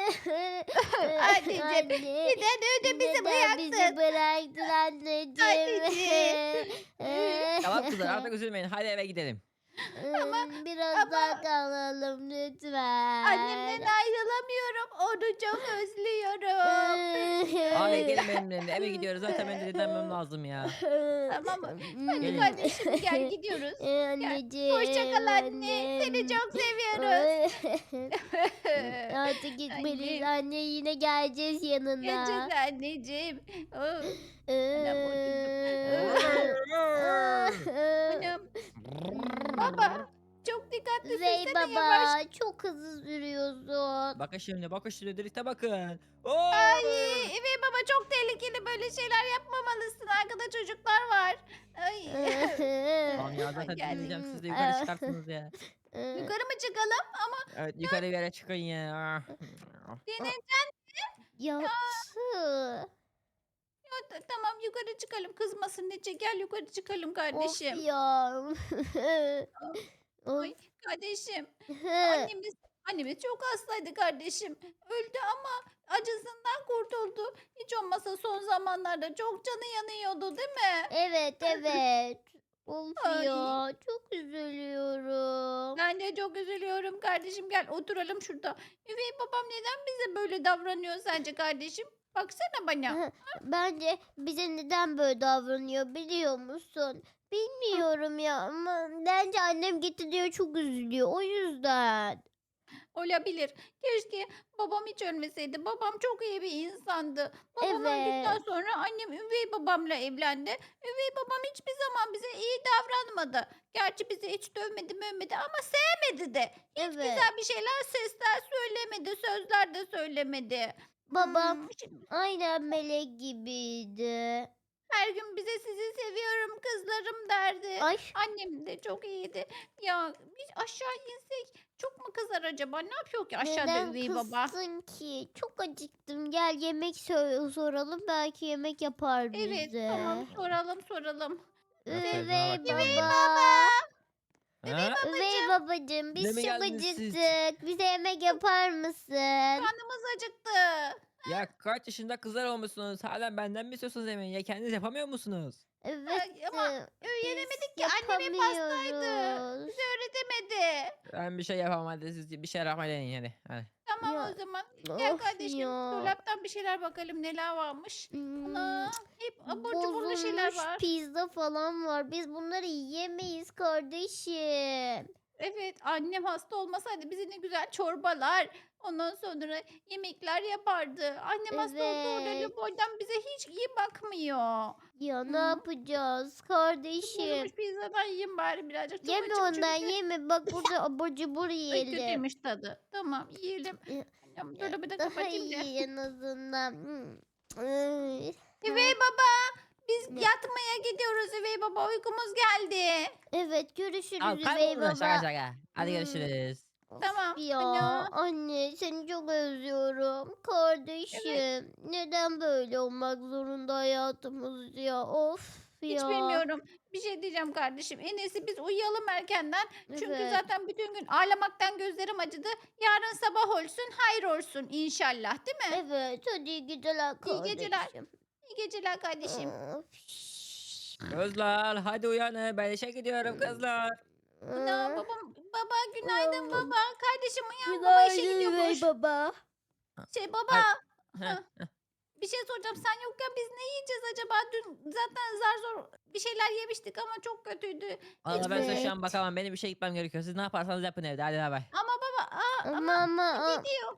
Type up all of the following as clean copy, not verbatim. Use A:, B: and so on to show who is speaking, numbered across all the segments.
A: Anneciğim
B: Anne,
A: neden öyle bizi
B: neden bizi
A: bıraktın?
B: bıraktın anneciğim?
A: Anneciğim.
C: Tamam kızlar artık üzülmeyin. Hadi eve gidelim.
A: Ama
B: Biraz daha
A: ama
B: kalalım
A: annemden
B: lütfen.
A: ayrılamıyorum. Onu çok özlüyorum.
C: Hayır gelin benimle. Eve gidiyoruz. Zaten ben de dinlenmem lazım ya.
A: Tamam mı? Hadi
C: Gelin.
A: kardeşim gel gidiyoruz. Gel. Hoşça kal
B: Anneciğim,
A: anne. Seni
B: annem.
A: çok seviyoruz.
B: Artık gitmeliyiz
A: Annem.
B: anne, yine geleceğiz
A: Geleceğiz
B: yanına.
A: anneciğim. Oh, anam oturdum. Anam. Baba. Çok dikkatli
B: Zey
A: sürsene yavaş.
B: baba, çok hızlı sürüyorsun.
C: Bakın şimdi direkte bakın. Oo!
A: Ay evet baba çok tehlikeli böyle şeyler yapmamalısın. Arkada çocuklar var. Ay.
C: Tamam ya zaten
A: Geldik.
C: dinleyeceğim. Siz de yukarı çıkarsınız ya.
A: Yukarı mı çıkalım? Ama
C: Evet yukarı bir yere çıkın ya.
A: Deniz
B: Yaptı.
A: tamam yukarı çıkalım. Kızmasın Nece. Gel yukarı çıkalım
B: Of
A: kardeşim.
B: ya.
A: Ay
B: Of.
A: kardeşim. Annemiz çok hastaydı kardeşim. Öldü ama acısından kurtuldu. Hiç olmasa son zamanlarda çok canı yanıyordu değil mi?
B: Evet, evet. Of
A: Ay.
B: ya, çok üzülüyorum.
A: Ben de çok üzülüyorum kardeşim. Gel oturalım şurada. Üvey babam neden bize böyle davranıyor sence kardeşim? Baksana bana.
B: Bence bize neden böyle davranıyor biliyor musun?
A: Hı,
B: Bilmiyorum ya, ama bence annem gitti diyor, çok üzülüyor o yüzden.
A: olabilir. Keşke babam hiç ölmeseydi. Babam çok iyi bir insandı. Babam öldükten
B: Evet.
A: sonra annem üvey babamla evlendi. Üvey babam hiçbir zaman bize iyi davranmadı. Gerçi bizi hiç dövmedi mövmedi ama sevmedi de. Hiç
B: Evet.
A: güzel bir şeyler, sesler söylemedi, sözler de söylemedi.
B: Babam
A: Şimdi
B: aynen melek gibiydi.
A: her gün bize sizi seviyorum kızlarım derdi.
B: Ay,
A: Annem de çok iyiydi. Ya biz aşağı insek çok mu kızar acaba? Ne yapıyor ki aşağıda
B: neden
A: üvey baba?
B: kızdın ki? Çok acıktım. Gel yemek soralım. Belki yemek yapar
A: Evet tamam
B: bize.
A: soralım.
C: Aferin
B: Üvey
C: bakalım.
B: baba.
A: Üvey
C: Ha?
B: Üvey
A: babacığım
B: babacığım,
C: Ne
B: biz
C: mi
B: çok
C: geldiniz siz?
B: acıktık. Bize yemek yapar mısın?
A: karnımız acıktı.
C: Ya kaç yaşında kızlar olmuşsunuz? Hala benden mi istiyorsunuz yemeği? Ya kendiniz yapamıyor musunuz?
B: Evet,
A: Ama
B: biz
A: öğrenemedik ki annem hep hastaydı.
B: yapamıyoruz.
A: Bize öğretemedi.
C: Ben bir şey yapamam hadi siz bir şey yapmayı deneyin hadi.
A: Tamam
B: Ya
A: o zaman. Gel
B: of
A: kardeşim
B: ya.
A: dolaptan bir şeyler bakalım neler varmış.
B: Hmm,
A: Ana hep abur cuburlu şeyler
B: bozulmuş
A: var.
B: pizza falan var. Biz bunları yiyemeyiz kardeşim.
A: Evet, annem hasta olmasaydı bize ne güzel çorbalar, ondan sonra yemekler yapardı. Annem hasta olduğu
B: Evet.
A: oradan boydan bize hiç iyi bakmıyor.
B: Ya ne
A: Hı.
B: yapacağız
A: Şu bozulmuş
B: kardeşim?
A: pizzadan yiyeyim bari birazcık. Çok
B: Yeme
A: açım
B: ondan,
A: çünkü.
B: yeme. Bak burada abur cubur
A: Ay
B: yiyelim.
A: kötüymüş tadı. Tamam yiyelim.
B: Ya,
A: Annem
B: ya,
A: dolabı da
B: daha
A: kapatayım da.
B: iyi en azından. Ay,
A: Üvey baba, biz
B: ne?
A: yatmaya gidiyoruz üvey baba. Uykumuz geldi.
B: Evet,
C: Tamam
B: görüşürüz üvey
C: kaybolun şaka
B: baba.
C: şaka. Hadi
B: Hmm,
C: görüşürüz.
B: Of
A: Tamam.
B: ya,
A: Ana.
B: anne seni çok özlüyorum.
A: Evet.
B: Kardeşim, neden böyle olmak zorunda hayatımız ya? Of
A: Hiç
B: ya.
A: bilmiyorum. Bir şey diyeceğim kardeşim. En iyisi biz uyuyalım erkenden. Çünkü
B: Evet,
A: zaten bütün gün ağlamaktan gözlerim acıdı. Yarın sabah olsun, hayır olsun inşallah, değil mi?
B: evet, hadi iyi geceler
A: İyi geceler.
B: kardeşim.
A: İyi geceler kardeşim.
B: Of.
C: Kızlar hadi uyanın ben işe gidiyorum kızlar.
A: Ana
B: Ah,
A: baba günaydın
B: uyandım.
A: baba. Kardeşim uyan baba işe
B: Günaydın üvey
A: gidiyormuş.
B: baba.
A: Baba.
C: Ay, heh.
A: Hah, bir şey soracağım. Sen yokken biz ne yiyeceğiz acaba? Dün zaten zar zor bir şeyler yemiştik ama çok kötüydü. Hiç
C: Valla ben size şu an
B: Evet.
C: bakamam. Benim bir şey gitmem gerekiyor. Siz ne yaparsanız yapın evde. Hadi bay bay.
A: ama baba
B: Ama
A: ama
B: ama
A: gidiyor.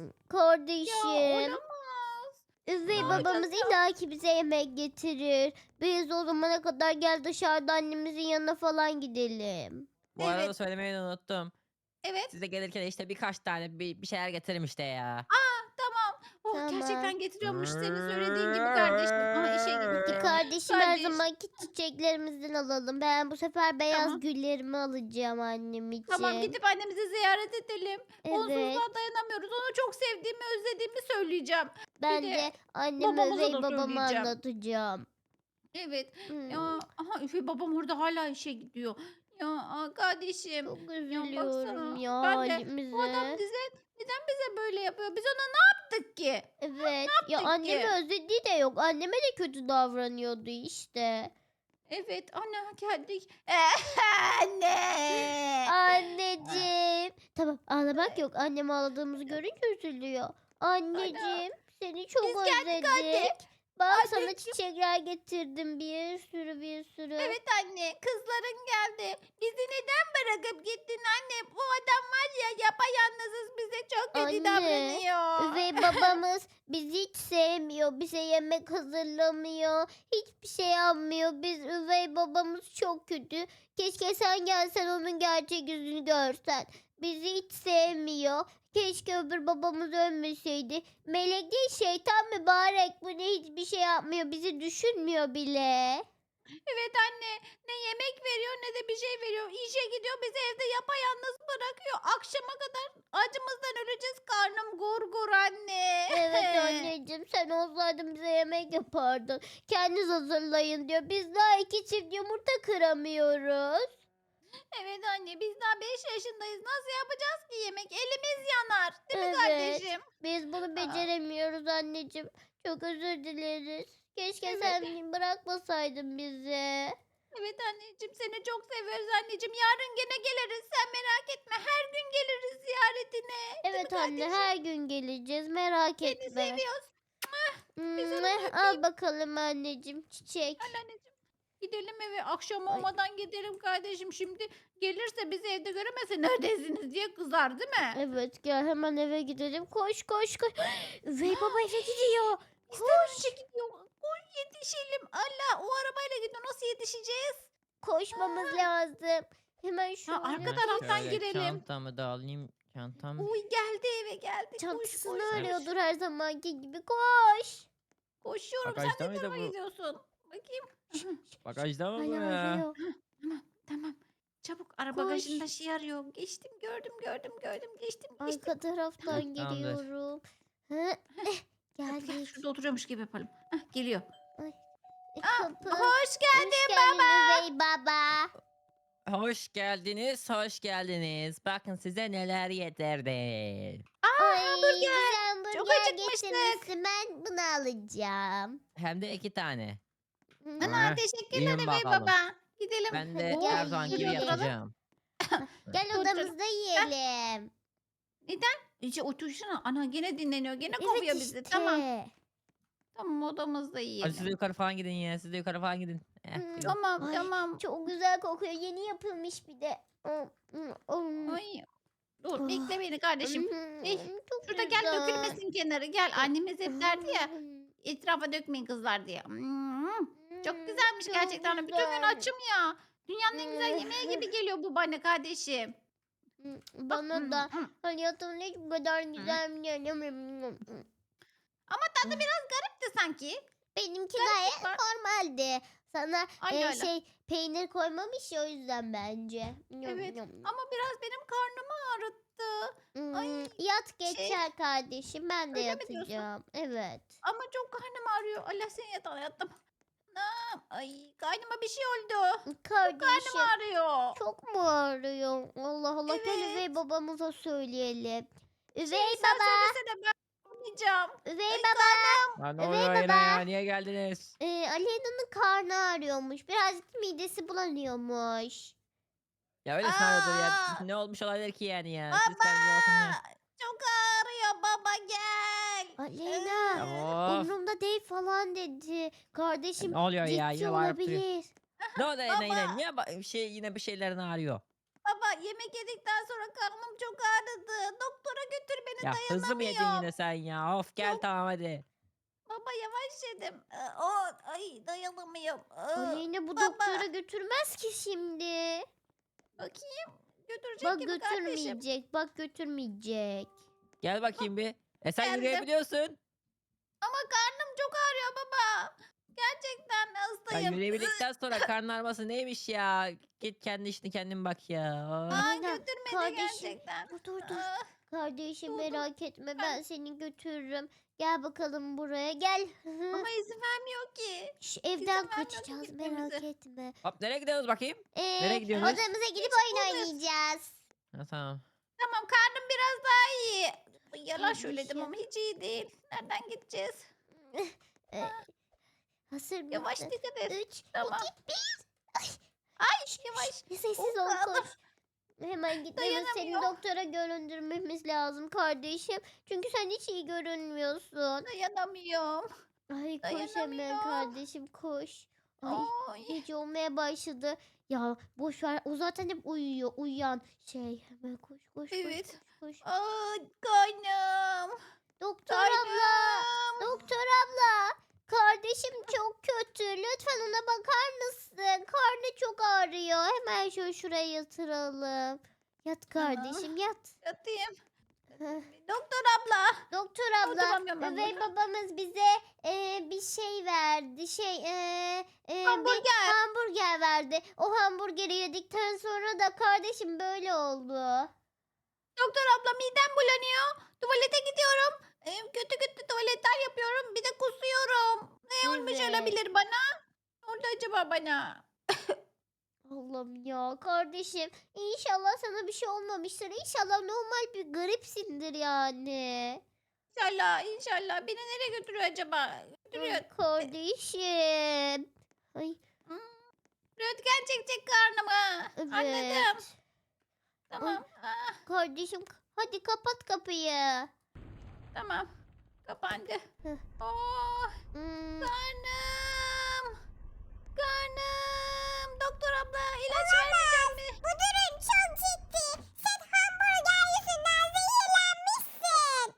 A: Ya
B: kardeşim.
A: olamaz. Ne
B: Üvey
A: yapacağız
B: babamız
A: ya?
B: illaki bize yemek getirir. Biz o zamana kadar gel dışarıda annemizin yanına falan gidelim.
C: Bu arada
A: Evet.
C: söylemeyi de unuttum.
A: Evet.
C: Size gelirken işte birkaç tane bir şeyler getiririm işte ya.
A: Tamam. Oh
B: Tamam.
A: gerçekten getiriyormuş senin söylediğin gibi kardeşim. Aha işe gitti.
B: Kardeşim, her
A: Kardeş.
B: zamanki çiçeklerimizden alalım. Ben bu sefer beyaz
A: Tamam.
B: güllerimi alacağım annem
A: Tamam
B: için.
A: gidip annemizi ziyaret edelim.
B: Evet.
A: Onsuzluğa dayanamıyoruz. Onu çok sevdiğimi, özlediğimi söyleyeceğim. Bir
B: Ben
A: de
B: de anneme
A: babamıza
B: üvey
A: da
B: babamı
A: söyleyeceğim.
B: anlatacağım.
A: Evet. Ya
B: Hmm,
A: aha Üfe babam orada hala işe gidiyor. Ya kardeşim.
B: çok
A: Ya
B: üzülüyorum
A: baksana.
B: ya
A: Ben de bu adam
B: halimize.
A: Neden bize böyle yapıyor? Biz ona ne yaptık ki?
B: Evet. Ya
A: Yaptık
B: annemi
A: ki?
B: özlediği de yok. Anneme de kötü davranıyordu işte.
A: Evet ana geldik. Anne.
B: Anneciğim. Tamam ağlamak yok. Annem ağladığımızı görünce üzülüyor.
A: Ana.
B: Anneciğim seni çok
A: Biz geldik anne.
B: özledik. Bak sana
A: Anneciğim.
B: çiçekler getirdim bir sürü bir sürü.
A: Evet anne kızların geldi. Bizi neden bırakıp gittin anne? Bu adam var ya yapayalnızız bize çok kötü
B: Anne,
A: davranıyor.
B: Üvey babamız bizi hiç sevmiyor. Bize yemek hazırlamıyor. Hiçbir şey yapmıyor. Biz üvey babamız çok kötü. Keşke sen gelsen onun gerçek yüzünü görsen. Bizi hiç sevmiyor. Keşke öbür babamız ölmeseydi. Melek değil şeytan mübarek. Bu ne hiçbir şey yapmıyor. Bizi düşünmüyor bile.
A: Evet anne ne yemek veriyor ne de bir şey veriyor. İşe gidiyor bizi evde yapayalnız bırakıyor. Akşama kadar acımızdan öleceğiz karnım gur anne.
B: Evet anneciğim sen olsaydın bize yemek yapardın. Kendiniz hazırlayın diyor. Biz daha 2 çift yumurta kıramıyoruz.
A: Evet anne biz daha 5 yaşındayız. Nasıl yapacağız ki yemek? Elimiz yanar. Değil mi
B: Evet.
A: kardeşim?
B: Biz bunu beceremiyoruz anneciğim. Çok özür dileriz. Keşke
A: Evet.
B: sen bırakmasaydın bizi.
A: Evet anneciğim seni çok seviyoruz anneciğim. Yarın gene geliriz. Sen merak etme. Her gün geliriz ziyaretine. Değil mi
B: Evet anne
A: kardeşim?
B: her gün geleceğiz merak
A: Seni
B: etme.
A: seviyoruz. Bir
B: Hmm,
A: sarılın öpeyim.
B: al bakalım anneciğim çiçek.
A: Al anneciğim. Gidelim eve. Akşam
B: Ay.
A: olmadan gidelim kardeşim. Şimdi gelirse bizi evde göremezse neredesiniz diye kızar değil mi?
B: Evet gel hemen eve gidelim. Koş koş koş. Üvey baba eve gidiyor.
A: Bizden önce gidiyor. Koş yetişelim. Allah o arabayla gidiyor. Nasıl yetişeceğiz?
B: Koşmamız lazım. Hemen şöyle.
A: arka taraftan
C: şöyle
A: girelim.
C: Çantamı da alayım. Çantam.
A: Uy geldi eve geldi. Koş
B: Çantasını
A: koş.
B: arıyordur her zamanki gibi. Koş.
A: Koşuyorum.
C: Bagajda
A: Sen ne
C: mıydı
A: tarafa
C: bu?
A: gidiyorsun? Bakayım.
C: Bagajda mı bu
B: Hala
C: ya?
B: arıyor.
A: Tamam. Çabuk ara
B: Koş.
A: bagajında şey arıyor. Geçtim gördüm. Geçtim.
B: Arka taraftan
C: Tamamdır.
B: geliyorum. Hı?
A: Gel,
B: Geldik.
A: şurada oturuyormuş gibi yapalım. Geliyor.
B: Kapı.
A: Hoş geldin.
B: Hoş geldin üvey baba.
C: Hoş geldiniz, hoş geldiniz. Bakın size neler getirdim.
B: Ay
A: hamburger.
B: bize hamburger
A: Çok acıkmıştık.
B: getirmişsin. Ben bunu alacağım.
C: Hem de 2 tane.
A: Ana
C: Heh,
A: teşekkürler
C: yiyin
A: Bey
C: bakalım.
A: baba. Gidelim.
C: Ben de
B: Hadi
C: her
B: gel
C: zaman gibi
B: yiyelim.
C: yapacağım.
B: Gel
A: Dur canım.
B: odamızda yiyelim.
A: İyice otursana. Ana gene dinleniyor. Gene kovuyor
B: Evet
A: bizi.
B: işte.
A: Tamam odamızda
C: Hadi
A: yiyelim.
C: siz de yukarı falan gidin ya. Siz de yukarı falan gidin. Gidin.
A: Tamam
B: Ay,
A: tamam.
B: Çok güzel kokuyor. Yeni yapılmış bir de.
A: Ay. Dur bekle beni kardeşim.
B: Çok
A: Şurada gel
B: güzel.
A: dökülmesin kenarı. Gel annemiz hep derdi ya. Etrafa dökmeyin kızlar diye. Çok güzelmiş
B: çok
A: gerçekten. Bütün gün
B: güzel.
A: açım ya. Dünyanın en güzel yemeği gibi geliyor bu bana kardeşim.
B: Bana da hayatımda hiç bu kadar güzel bir
A: Ama tadı biraz garipti sanki.
B: Benimki
A: Gariplik
B: gayet
A: var.
B: normaldi. Sana
A: Aynen öyle.
B: peynir koymamış ya o yüzden bence.
A: Evet. Ama biraz benim karnımı ağrıttı. ay,
B: Yat geçer kardeşim. Ben de
A: öyle mi diyorsun?
B: yatacağım. Evet.
A: Ama çok karnım ağrıyor. Allah seni yatağına yattım. Anam, ay karnıma bir şey oldu.
B: Kardeşim
A: Karnım ağrıyor.
B: çok mu ağrıyor? Allah Allah gel
A: Evet.
B: üvey babamıza söyleyelim. Üvey
A: Sen
B: baba.
A: söylesene ben yapmayacağım.
B: Üvey
A: Ay,
B: baba.
C: Lan ne
B: Evet
C: oluyor yine
B: baba.
C: ya? Niye geldiniz?
B: Aleyna'nın karnı ağrıyormuş. Birazcık midesi bulanıyormuş.
C: Ya öyle ağrıyordur ya.
A: Aa!
C: Ne olmuş olabilir ki yani ya? Siz
A: Baba.
C: kendinize bakın ya.
A: Çok ağrıyor baba gel.
B: Aleyna.
C: Ya of.
B: Umrumda değil falan dedi. Kardeşim
C: Ne oluyor ya?
B: ciddi
C: Yine bağırıp duruyor.
B: olabilir.
C: Ne oluyor yine yine?
A: Baba.
C: Niye yine bir şeylerin ağrıyor?
A: Baba yemek yedikten sonra karnım çok ağrıdı. Doktora götür beni
C: Ya hızlı mı yedin
A: dayanamıyorum.
C: yine sen ya? Of gel
A: Yok.
C: tamam hadi.
A: Baba yavaş yedim. Ay dayanamıyorum.
B: Aleyna bu
A: baba.
B: doktora götürmez ki şimdi.
A: Bakayım. Götürecek
B: Bak
A: gibi kardeşim.
B: götürmeyecek. Bak götürmeyecek.
C: Gel bakayım bir. Sen
A: Geldim.
C: yürüyebiliyorsun.
A: Ama karnım çok ağrıyor baba. Gerçekten
C: Ya
A: hastayım.
C: yürüyebildikten sonra karın ağrıması neymiş ya? Git kendi işini kendin bak ya. Of.
A: Aa,
B: Aleyna,
A: götürmedi
B: kardeşim.
A: gerçekten.
B: Dur.
A: Ah,
B: Kardeşim
A: Dur.
B: merak etme ben seni götürürüm. Gel bakalım buraya gel.
A: ama izin vermiyor ki.
B: Şu evden
A: vermiyor
B: kaçacağız
A: gitmemize.
B: merak etme.
C: Hop nereye gidiyoruz bakayım? Nereye gidiyorsunuz?
B: Odamıza gidip oyun
A: buradayız.
B: oynayacağız.
C: Ha, tamam.
A: Tamam karnım biraz daha iyi. Ay, yalan söyledim
B: Kardeşim.
A: ama hiç iyi değil. Nereden gideceğiz?
B: E,
A: Ha,
B: hazır
A: yavaş
B: mısın?
A: dikkat et.
B: 3, 2,
A: Tamam.
B: 1. Ay,
A: Ay
B: şş,
A: yavaş.
B: sessiz ol
A: Allah,
B: koş. Hemen gitmemiz seni
A: dayanamıyorum.
B: doktora göründürmemiz lazım kardeşim. Çünkü sen hiç iyi görünmüyorsun.
A: Dayanamıyorum.
B: Ay koş hemen
A: Dayanamıyorum.
B: kardeşim koş. Ay
A: Ay.
B: gece olmaya başladı. Ya boş ver o zaten hep uyuyor uyuyan şey. Hemen koş koş koş
A: Evet.
B: koş koş.
A: Aa, karnım.
B: Doktor abla.
A: Karnım.
B: Doktor abla. Kardeşim çok kötü. Lütfen ona bakar mısın? Karnı çok ağrıyor. Hemen şuraya yatıralım. Yat kardeşim yat.
A: Yatayım.
B: Heh.
A: Doktor abla.
B: Doktor abla,
A: Oturamıyorum ben
B: üvey
A: burada.
B: babamız bize bir şey verdi. Bir
A: Hamburger.
B: hamburger verdi. O hamburgeri yedikten sonra da kardeşim böyle oldu.
A: Doktor abla midem bulanıyor. Tuvalete gidiyorum. Kötü kötü tuvaletler yapıyorum. Bir de kusuyorum. Ne olmuş
B: Evet.
A: olabilir bana? Ne oldu acaba bana?
B: Allah'ım ya kardeşim. İnşallah sana bir şey olmamıştır. İnşallah normal bir gripsindir yani.
A: İnşallah inşallah. Beni nereye götürüyor acaba? Götürüyor.
B: Ay kardeşim. Ay
A: Hmm, röntgen çekecek karnımı. Anladım.
B: evet.
A: Tamam. Ah,
B: Kardeşim hadi kapat kapıyı.
A: tamam. Kapandı.
B: Heh.
A: Oh,
B: Hmm.
A: karnım. Karnım. Doktor abla ilaç vermeyecek mi?
B: Bu durum çok ciddi. Sen hamburger yüzünden zehirlenmişsin.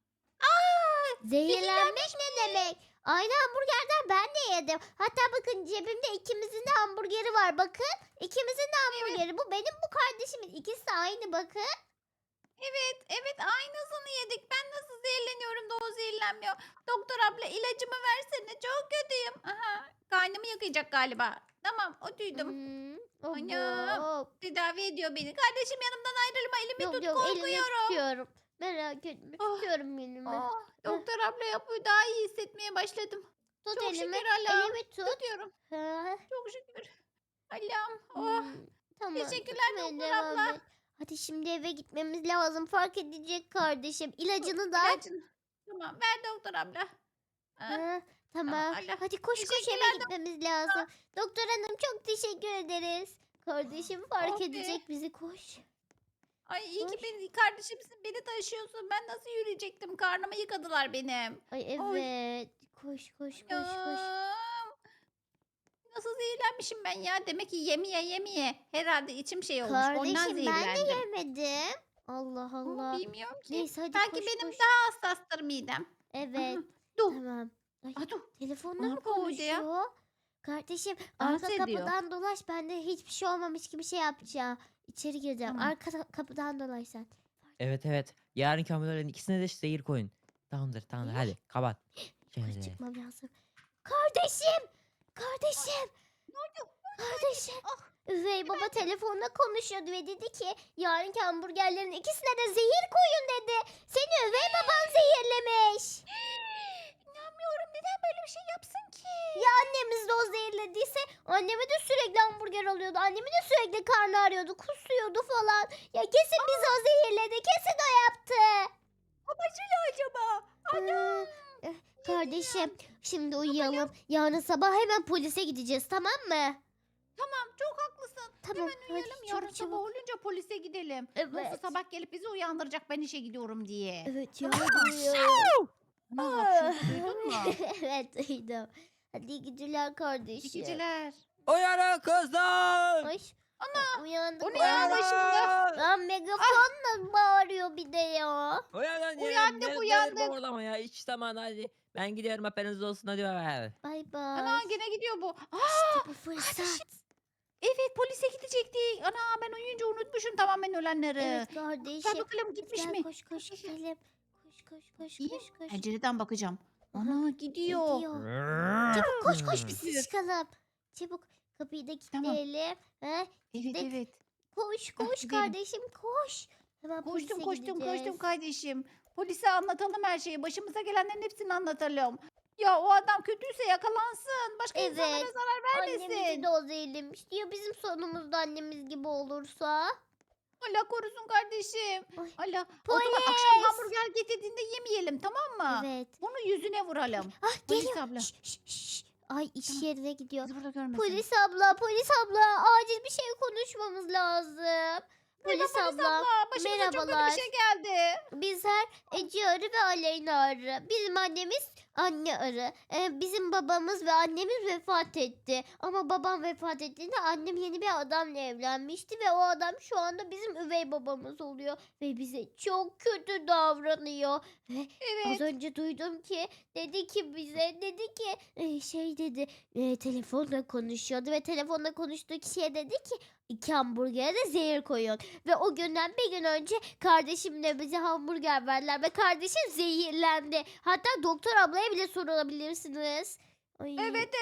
A: Aa,
B: Zehirlenmek ne demek? Aynı hamburgerden ben de yedim. Hatta bakın cebimde ikimizin de hamburgeri var. Bakın ikimizin de hamburgeri. Bu benim bu kardeşimin. İkisi de aynı bakın.
A: evet aynısını yedik. Ben nasıl zehirleniyorum da o zehirlenmiyor. Doktor abla ilacımı versene. Çok kötüyüm. Aha, karnımı yakacak galiba. Tamam o duydum. Anam.
B: Abo.
A: Tedavi ediyor beni. Kardeşim yanımdan ayrılma. Elimi
B: Yok
A: tut
B: yok elini
A: korkuyorum.
B: tutuyorum. Merak etme
A: Oh,
B: tutuyorum elimi.
A: oh, doktor abla yapıyor. Daha iyi hissetmeye başladım.
B: Tut
A: Çok
B: elimi.
A: şükür Allah'ım.
B: Elimi tut.
A: Tutuyorum.
B: Ha.
A: Çok şükür. Allah'ım. Oh.
B: Hmm, tamam.
A: Teşekkürler
B: tutmaya
A: doktor
B: devam
A: abla.
B: et. Hadi şimdi eve gitmemiz lazım. Fark edecek kardeşim. İlacını da.
A: İlacın. Tamam ver doktor abla. Ha,
B: Ha, tamam.
A: Allah.
B: Hadi koş koş
A: Teşekkürler
B: eve gitmemiz lazım. Doktor hanım çok teşekkür ederiz. Kardeşim fark
A: Oh be.
B: edecek bizi koş.
A: Ay iyi ki
B: Koş.
A: beni kardeşimsin. Beni taşıyorsun. Ben nasıl yürüyecektim? Karnımı yıkadılar benim.
B: Ay
A: Oy.
B: evet. Koş koş koş koş.
A: Anam. Nasıl zehirlenmişim ben ya? Demek ki yemeye. Herhalde içim şey olmuş. Ondan
B: Kardeşim ben de
A: zehirlendim.
B: yemedim. Allah Allah.
A: Bilmiyorum ki.
B: Neyse hadi
A: Belki
B: koş
A: benim
B: koş.
A: daha hassastır midem.
B: Evet.
A: Aha, dur.
B: Tamam. Ay,
A: Aa, dur.
B: telefonla
A: Ne
B: mı
A: yapıyor orada ya?
B: konuşuyor? Kardeşim
A: Dans
B: arka
A: ediyor.
B: kapıdan dolaş. Ben de hiçbir şey olmamış gibi şey yapacağım. İçeri gireceğim.
A: Tamam.
B: Arka kapıdan dolaş sen.
C: Evet. Yarınki hamurların ikisine de zehir koyun. Tamamdır
B: Ne?
C: hadi kapat.
B: Yukarı
C: Şöyle.
B: çıkmam lazım. Kardeşim! Kardeşim!
A: Ne oldu?
B: Kardeşim!
A: Ah,
B: Üvey baba telefonla konuşuyordu ve dedi ki yarınki hamburgerlerin ikisine de zehir koyun dedi. Seni üvey baban zehirlemiş.
A: İnanmıyorum. Neden böyle bir şey yapsın ki?
B: Ya annemiz de o zehirlediyse anneme de sürekli hamburger alıyordu. Annemi de sürekli karnı ağrıyordu, kusuyordu falan. Ya kesin bizi o zehirledi. Kesin o yaptı.
A: Amacıyla acaba? Anam.
B: Kardeşim şimdi uyuyalım. Yarın sabah hemen polise gideceğiz tamam mı?
A: Tamam çok haklısın.
B: Tamam
A: Hemen uyuyalım.
B: hadi
A: Yarın
B: çabuk
A: sabah
B: çabuk.
A: olunca polise gidelim.
B: Evet.
A: Yoksa sabah gelip bizi uyandıracak ben işe gidiyorum diye.
B: Evet ya
A: Tamam.
B: uyuyorum.
A: Ne hapşırdı duydun mu?
B: Evet duydum. Hadi iyi geceler kardeşim.
A: İyi geceler.
C: Uyanın kızlar.
B: Ay, uyandık.
A: O ne ya
B: uyandık.
A: başımda?
B: Lan megafonla bağırıyor bir de ya.
C: Uyanın
A: Uyandık, uyandık.
C: Orlama ya hiç zaman hadi. Ben gidiyorum haberiniz olsun hadi bay.
B: Bay
A: Ana
B: bay.
A: gene gidiyor bu. Aa,
B: İşte bu fırsat.
A: kardeşim. Evet polise gidecektik. Ana ben uyuyunca unutmuşum tamamen ölenleri.
B: Evet
A: Gel
B: kardeşim.
A: bakalım
B: Hadi
A: gitmiş
B: gel
A: mi?
B: koş koş
A: Gel, gel.
B: gidelim. Koş
A: İyi.
B: koş.
A: Pencereden bakacağım.
B: Aha,
A: Ana gidiyor.
B: gidiyor. Çabuk koş biz
A: Yürü.
B: çıkalım. Çabuk kapıyı da
A: Tamam.
B: kilitleyelim. Ha?
A: Evet
B: Gittik.
A: evet.
B: Koş
A: Hah,
B: koş
A: gidelim.
B: kardeşim koş. Hemen
A: Koştum
B: polise
A: koştum
B: gideceğiz.
A: kardeşim. Polise anlatalım her şeyi. Başımıza gelenlerin hepsini anlatalım. Ya o adam kötüyse yakalansın. Başka
B: Evet.
A: insanlara zarar
B: Annemizi
A: vermesin.
B: de o zehirlemiş. Ya bizim sonumuzda annemiz gibi olursa?
A: Allah korusun kardeşim.
B: Ay,
A: Allah. O zaman akşam
B: polis.
A: hamburger getirdiğinde yemeyelim, tamam mı?
B: Evet.
A: Bunu yüzüne vuralım.
B: Ah
A: Polis
B: geliyor.
A: abla.
B: Şş, şş, şş. Ay iş
A: Tamam.
B: yerine gidiyor.
A: Bizi burada görmesin.
B: Polis abla, polis abla. Acil bir şey konuşmamız lazım. Polis abla.
A: Başımıza çok kötü
B: merhabalar.
A: bir şey geldi.
B: Bizler Ece arı ve Aleyna arı. Bizim annemiz anne arı. Bizim babamız ve annemiz vefat etti. Ama babam vefat ettiğinde annem yeni bir adamla evlenmişti. Ve o adam şu anda bizim üvey babamız oluyor. Ve bize çok kötü davranıyor. Ve az
A: Evet.
B: önce duydum ki dedi ki bize dedi ki şey dedi telefonla konuşuyordu. Ve telefonla konuştuğu kişiye dedi ki 2 hamburgere de zehir koyun. Ve o günden bir gün önce kardeşimle bize hamburger verdiler ve kardeşim zehirlendi. Hatta doktor ablaya bile sorabilirsiniz. Ay.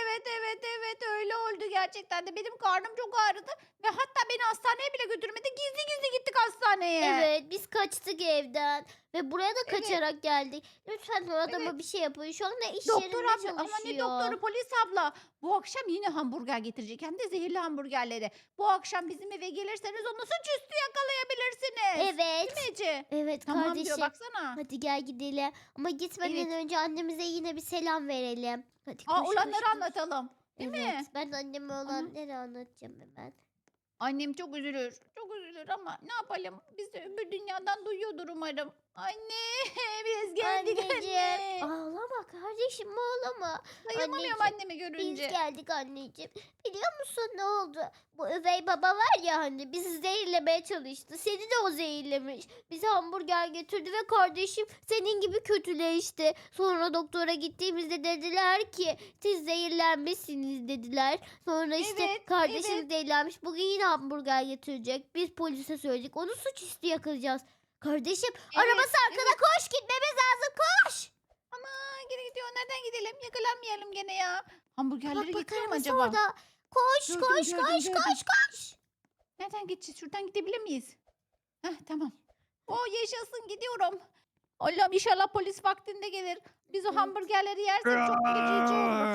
A: Evet öyle oldu gerçekten de. Benim karnım çok ağrıdı ve hatta beni hastaneye bile götürmedi. Gizli gizli gittik hastaneye.
B: Evet biz kaçtık evden ve buraya da
A: Evet.
B: kaçarak geldik. Lütfen o adama
A: Evet.
B: bir şey yapın. Şu anda iş
A: Doktor
B: yerinde
A: abla
B: çalışıyor.
A: ama ne doktoru, polis abla. Bu akşam yine hamburger getirecek, hem de zehirli hamburgerleri. Bu akşam bizim eve gelirseniz onu suçüstü yakalayabilirsiniz.
B: Evet.
A: Değil mi Ece?
B: Evet
A: Tamam
B: kardeşim.
A: diyor baksana.
B: Hadi gel gidelim. Ama gitmeden
A: Evet.
B: önce annemize yine bir selam verelim. Hadi koş,
A: Aa,
B: koş,
A: olanları
B: koş.
A: anlatalım. Değil
B: Evet,
A: mi?
B: ben anneme olanları anlatacağım hemen.
A: Annem çok üzülür. Çok üzülür ama ne yapalım? Biz de öbür dünyadan duyuyordur umarım. Anne biz geldik
B: Anneciğim.
A: anne.
B: Ağlama kardeşim ağlama.
A: Dayanamıyorum
B: anneciğim,
A: annemi
B: Biz
A: görünce.
B: geldik anneciğim. Biliyor musun ne oldu? Bu üvey baba var ya hani bizi zehirlemeye çalıştı. Seni de o zehirlemiş. Bize hamburger getirdi ve kardeşim senin gibi kötüleşti. Sonra doktora gittiğimizde dediler ki siz zehirlenmişsiniz dediler. Sonra işte
A: Evet,
B: kardeşim
A: evet.
B: zehirlenmiş. Bugün yine hamburger getirecek. Biz polise söyledik. Onu suçüstü yakalayacağız. Kardeşim arabası arkada koş gitmemiz lazım koş.
A: Ana geri gidiyor. Nereden gidelim? Yakalanmayalım gene ya. Hamburgerleri
B: Bak bak
A: getiriyor mu
B: arabası
A: acaba?
B: orada. Koş
A: Gördüm,
B: koş
A: gördüm,
B: koş
A: gördüm.
B: koş koş.
A: Nereden gideceğiz? Şuradan gidebilir miyiz? Heh, tamam. yaşasın gidiyorum. Allah'ım inşallah polis vaktinde gelir. Biz o
B: Evet.
A: hamburgerleri yersek çok feci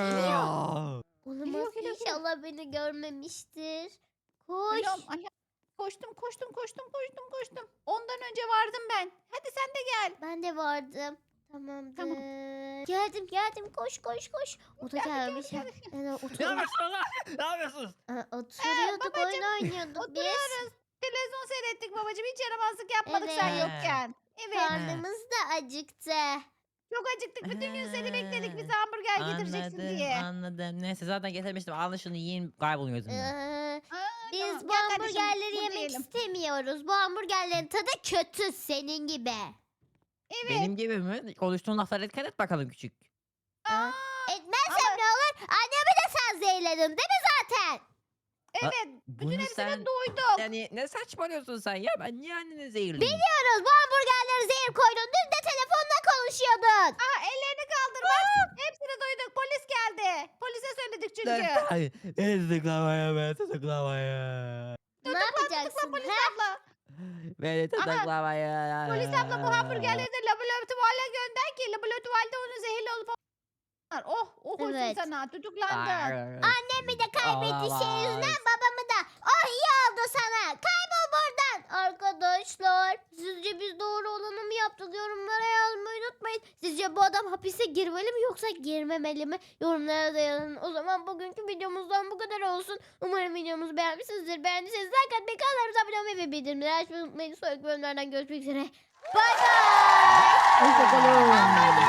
A: olur.
B: Olamaz
A: geliyor.
B: inşallah beni görmemiştir. Koş.
A: Allah'ım Allah. Koştum. Ondan önce vardım ben. Hadi sen de gel.
B: Ben de vardım. Tamamdır. Geldim koş. O da gelmiş.
A: geldi.
C: Ne yapıyorsunuz lan? Ne yapıyorsunuz?
B: Oturuyorduk
A: babacım,
B: oyun oynuyorduk biz.
A: Oturuyoruz. Televizyon seyrettik babacığım. Hiç yaramazlık yapmadık sen
B: Evet.
A: yokken. Evet.
B: Karnımız da acıktı.
A: Çok acıktık. Bütün gün seni bekledik. Bize hamburger getireceksin diye.
C: Anladım. Neyse zaten getirmiştim. Alın şunu yiyin kayboluyor gözümden.
B: Ee,
A: Aa,
B: biz
A: tamam.
B: bu
A: Gel kardeşim,
B: hamburgerleri
A: burada
B: yemek
A: yiyelim.
B: istemiyoruz. Bu hamburgerlerin tadı kötü senin gibi.
A: Evet.
C: Benim gibi mi? Konuştuğun laflara dikkat et bakalım küçük.
A: Aa,
B: Etmezsem ne olur? Annemi de sen zehirledin değil mi zaten?
A: evet. Bütün
C: Bunu
A: hepsini
C: sen...
A: duydum.
C: Yani ne saçmalıyorsun sen ya? Ben niye anneni zehirleyeyim?
B: Biliyoruz bu hamburgerleri zehir koydun. Dün de telefonla konuşuyordun.
A: Aa, ellerini kaldır bak. Hepsini duyduk. Polis geldi. Polise söyledik çünkü.
C: Ay, beni tutuklamaya, beni tutuklamaya.
B: Ne yapacaksın?
A: Polis
B: ha?
A: abla.
C: Beni tutuklamaya.
A: Polis abla bu hamburgerleri de laboratuvarla gönder ki laboratuvarda onun zehirli olup Oh olsun
B: Evet.
A: sana tutuklandın.
B: Annemi de kaybetti şey yüzünden babamı da. Oh iyi oldu sana. Kaybol buradan. Arkadaşlar sizce biz doğru olanı mı yaptık? Yorumlara yazmayı unutmayın. Sizce bu adam hapise girmeli mi yoksa girmemeli mi? Yorumlara da yazın. O zaman bugünkü videomuzdan bu kadar olsun. Umarım videomuzu beğenmişsinizdir. Beğendiyseniz like atmayı, kanalımıza abone olmayı ve bildirimleri açmayı unutmayın. Sonraki bölümlerden görüşmek üzere. Bye bye.
C: Hoşçakalın.